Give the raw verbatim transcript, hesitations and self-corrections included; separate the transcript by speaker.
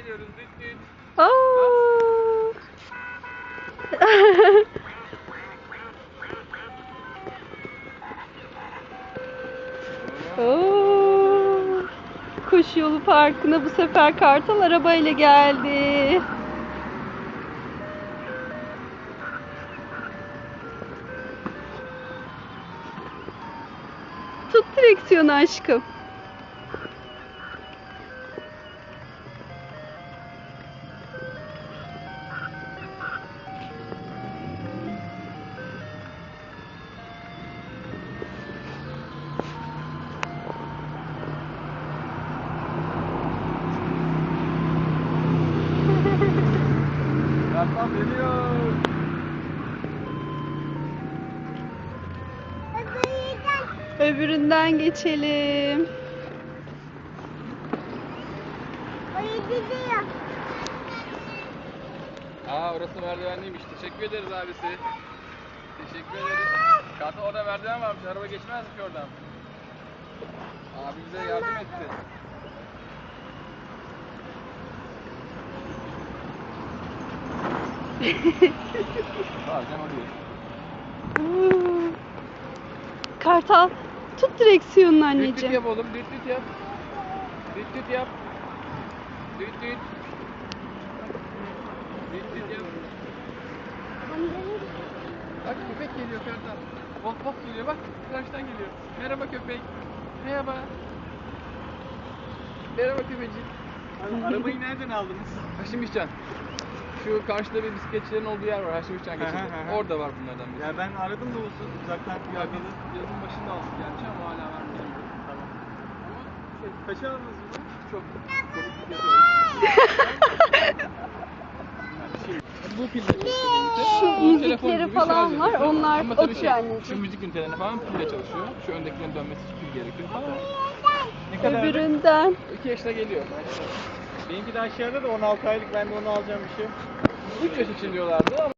Speaker 1: geliyoruz. Düt düt.
Speaker 2: Oo. Oo. Kuş Yolu Parkı'na bu sefer Kartal arabayla geldi. Tut direksiyonu aşkım.
Speaker 1: Kartal geliyor.
Speaker 2: Öbüründen geçelim.
Speaker 1: Aa, orası merdivenliymiş. Teşekkür ederiz abisi. Teşekkür ederiz. Kartal orada merdiven varmış. Araba geçmez ki oradan. Abi bize yardım etti. Bazen oluyor.
Speaker 2: Oo. Kartal tut direksiyonunu
Speaker 1: Düt düt
Speaker 2: anneciğim.
Speaker 1: yap oğlum. Düt düt yap. Düt düt yap. Düt düt. Düt düt yap. Bak köpek geliyor Kartal. Bak bak geliyor bak. Karşıdan geliyor. Merhaba köpek. Merhaba. Merhaba köpecik.
Speaker 3: Arabayı nereden aldınız?
Speaker 1: Haşimişcan. Şu karşıda bir bisikletçilerin olduğu yer var. Haşimişcan
Speaker 3: Hı hı
Speaker 1: geçidi.
Speaker 3: hı hı.
Speaker 1: Orada var bunlardan biri.
Speaker 3: Ya ben aradım da olsun uzaktan
Speaker 1: Ya
Speaker 3: fiyakalı.
Speaker 1: biz yazın başında aldık gerçi ama hala var mı bilmiyorum.
Speaker 3: Tamam. Şey, kaça aldınız bunu?
Speaker 1: Çok komik bir fiyatı var. Bu pille çalışıyor benimki.
Speaker 2: Şu
Speaker 1: Bu telefon
Speaker 2: müzikleri
Speaker 1: gibi
Speaker 2: falan
Speaker 1: şarj
Speaker 2: var,
Speaker 1: ediyor.
Speaker 2: onlar
Speaker 1: Ama tabii
Speaker 2: oturuyor
Speaker 1: şey,
Speaker 2: anneciğim.
Speaker 1: şu müzik ünitelerine falan pille çalışıyor. Şu öndekilerin dönmesi için pil gerekiyor falan.
Speaker 3: Ne kadar?
Speaker 2: Öbüründen.
Speaker 1: iki yaşına geliyor.
Speaker 3: Benimki de aşağıda da on altı aylık, ben de onu alacağım bir şey.
Speaker 1: üç yaş için diyorlardı ama